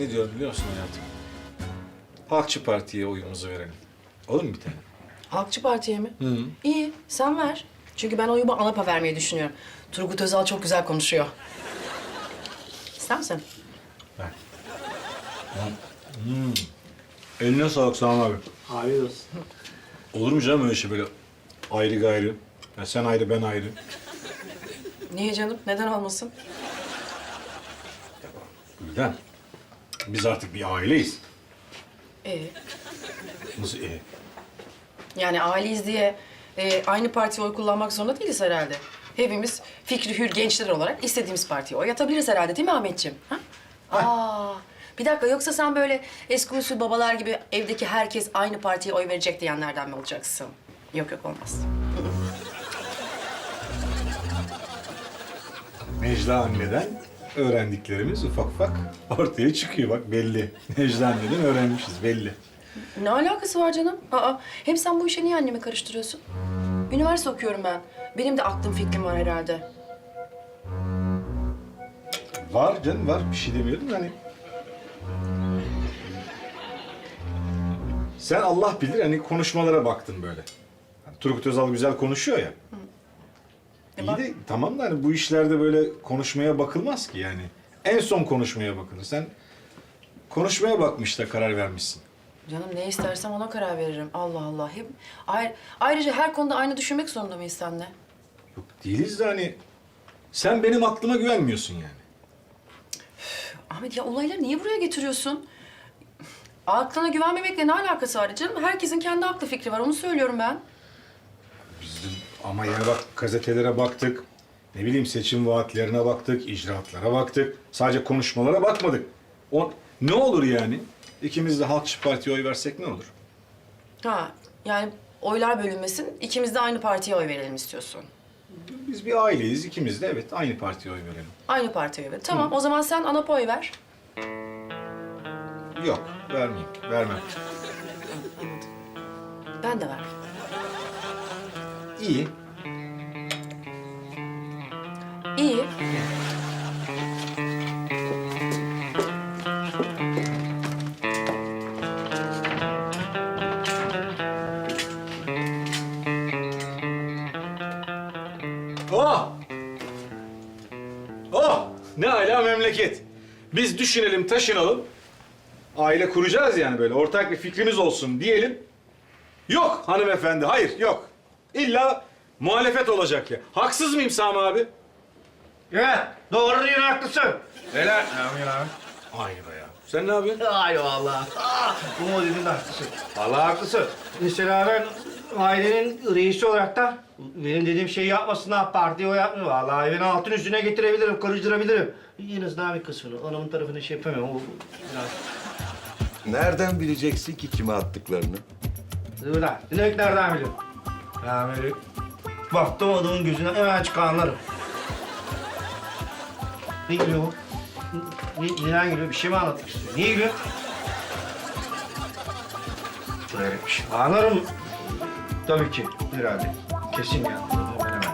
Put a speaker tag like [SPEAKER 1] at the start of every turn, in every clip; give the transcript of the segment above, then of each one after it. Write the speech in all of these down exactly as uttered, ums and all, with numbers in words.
[SPEAKER 1] ne diyorum biliyor musun hayatım? Halkçı Parti'ye oyumuzu verelim. Olur mu bir tane?
[SPEAKER 2] Halkçı Parti'ye mi?
[SPEAKER 1] Hı.
[SPEAKER 2] İyi, sen ver. Çünkü ben oyumu ANAP'a vermeyi düşünüyorum. Turgut Özal çok güzel konuşuyor. İster misin?
[SPEAKER 1] Ver. Hmm. Eline sağlık Sami abi.
[SPEAKER 3] Afiyet olsun.
[SPEAKER 1] Olur mu canım öyle şey böyle ayrı gayrı? Ya sen ayrı, ben ayrı.
[SPEAKER 2] Niye canım? Neden olmasın?
[SPEAKER 1] Gülden, biz artık bir aileyiz.
[SPEAKER 2] Ee,
[SPEAKER 1] Nasıl e?
[SPEAKER 2] yani aileyiz diye e, aynı partiye oy kullanmak zorunda değiliz herhalde. Hepimiz fikri hür gençler olarak istediğimiz partiye oy atabiliriz herhalde değil mi Ahmetciğim? Ha? Aa, bir dakika yoksa sen böyle eski usul babalar gibi evdeki herkes aynı partiye oy verecek diyenlerden mi olacaksın? Yok yok olmaz.
[SPEAKER 1] Necla anneden öğrendiklerimiz ufak ufak ortaya çıkıyor. Bak belli. Necla anneden öğrenmişiz belli.
[SPEAKER 2] Ne alakası var canım? Aa, hem sen bu işe niye annemi karıştırıyorsun? Üniversite okuyorum ben. Benim de aklım fikrim var herhalde.
[SPEAKER 1] Var canım var. Bir şey demiyordum da hani. Sen Allah bilir hani konuşmalara baktın böyle. Hani Turgut Özal güzel konuşuyor ya.
[SPEAKER 2] E
[SPEAKER 1] İyi
[SPEAKER 2] bak-
[SPEAKER 1] de tamam da hani bu işlerde böyle konuşmaya bakılmaz ki yani. En son konuşmaya bakılır. Sen konuşmaya bakmış da karar vermişsin.
[SPEAKER 2] Canım ne istersem ona karar veririm. Allah Allah. Hep Ayr- ayrıca her konuda aynı düşünmek zorunda mıyız seninle?
[SPEAKER 1] Yok değiliz de hani sen benim aklıma güvenmiyorsun yani.
[SPEAKER 2] Ahmet ya olayları niye buraya getiriyorsun? Aklına güvenmemekle ne alakası var canım? Herkesin kendi aklı fikri var. Onu söylüyorum ben.
[SPEAKER 1] Bizim ama yani bak gazetelere baktık. Ne bileyim seçim vaatlerine baktık, icraatlara baktık. Sadece konuşmalara bakmadık. O ne olur yani? İkimiz de Halkçı Parti'ye oy versek ne olur?
[SPEAKER 2] Ha yani oylar bölünmesin. İkimiz de aynı partiye oy verelim istiyorsun.
[SPEAKER 1] Biz bir aileyiz. İkimiz de evet aynı partiye oy verelim.
[SPEAKER 2] Aynı partiye oy ver. Tamam o zaman sen ANAP'a oy ver.
[SPEAKER 1] Yok, vermeyeyim. Vermem.
[SPEAKER 2] Ben de ver.
[SPEAKER 1] İyi.
[SPEAKER 2] İyi.
[SPEAKER 1] Oh! Oh! Ne ala memleket. Biz düşünelim, taşınalım. Aile kuracağız yani böyle. Ortak bir fikrimiz olsun diyelim. Yok hanımefendi, hayır yok. İlla muhalefet olacak ya. Haksız mıyım Sami abi?
[SPEAKER 3] Evet, doğru değil, haklısın.
[SPEAKER 1] Helal.
[SPEAKER 3] Ne yapıyorsun abi?
[SPEAKER 1] Aynı be ya. Sen ne yapıyorsun?
[SPEAKER 3] Ay vallahi. Ah, bu modelin de haklısın. Vallahi haklısın. Mesela ben ailenin reisi olarak da benim dediğim şeyi yapmasınlar, partiye o yapmıyor. Vallahi beni altın üstüne getirebilirim, karıştırabilirim. En azından bir kısmını, anamın tarafını şey yapamıyorum. O biraz...
[SPEAKER 4] Nereden bileceksin ki kime attıklarını?
[SPEAKER 3] Dur lan, direkt nereden biliyorum? Ya böyle baktım adamın gözüne hemen açık anlarım. Ne gülüyor bu? Ne, neden gülüyor? Bir şey mi anlatmak istiyor? Niye gülüyor? Böyle bir şey. Anlarım. Tabii ki. Herhalde. Kesin yani. Hemen hemen.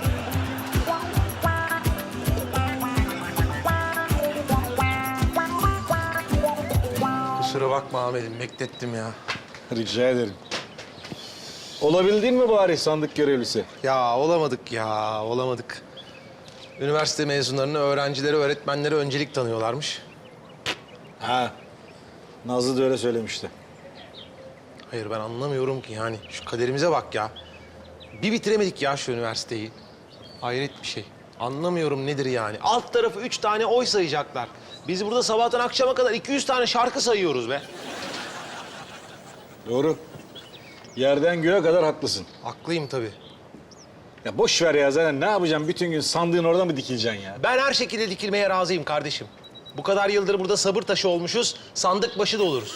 [SPEAKER 5] Kusura bakma Ahmet'im, beklettim ya.
[SPEAKER 1] Rica ederim. Olabildin mi bari sandık görevlisi?
[SPEAKER 5] Ya olamadık ya, olamadık. Üniversite mezunlarını öğrencilere, öğretmenlere öncelik tanıyorlarmış.
[SPEAKER 1] Ha. Nazlı da öyle söylemişti.
[SPEAKER 5] Hayır ben anlamıyorum ki yani. Şu kaderimize bak ya. Bir bitiremedik ya şu üniversiteyi. Hayret bir şey. Anlamıyorum nedir yani. Alt tarafı üç tane oy sayacaklar. Biz burada sabahtan akşama kadar iki yüz tane şarkı sayıyoruz be.
[SPEAKER 1] Doğru. Yerden göğe kadar haklısın.
[SPEAKER 5] Haklıyım tabii.
[SPEAKER 1] Ya boş ver ya zaten ne yapacağım bütün gün sandığın orada mı dikileceksin ya?
[SPEAKER 5] Ben her şekilde dikilmeye razıyım kardeşim. Bu kadar yıldır burada sabır taşı olmuşuz, sandık başı da oluruz.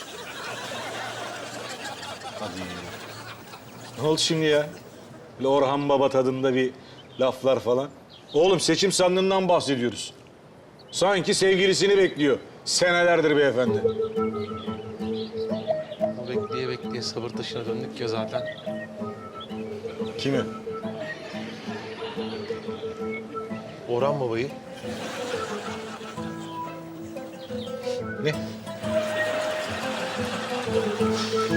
[SPEAKER 1] Hadi. Ne oldu şimdi ya? Böyle Orhan Baba tadında bir laflar falan. Oğlum seçim sandığından bahsediyoruz. Sanki sevgilisini bekliyor. Senelerdir beyefendi.
[SPEAKER 5] Bekleye bekleye sabır taşına döndük ya zaten.
[SPEAKER 1] Kimi?
[SPEAKER 5] Orhan Baba'yı. yani.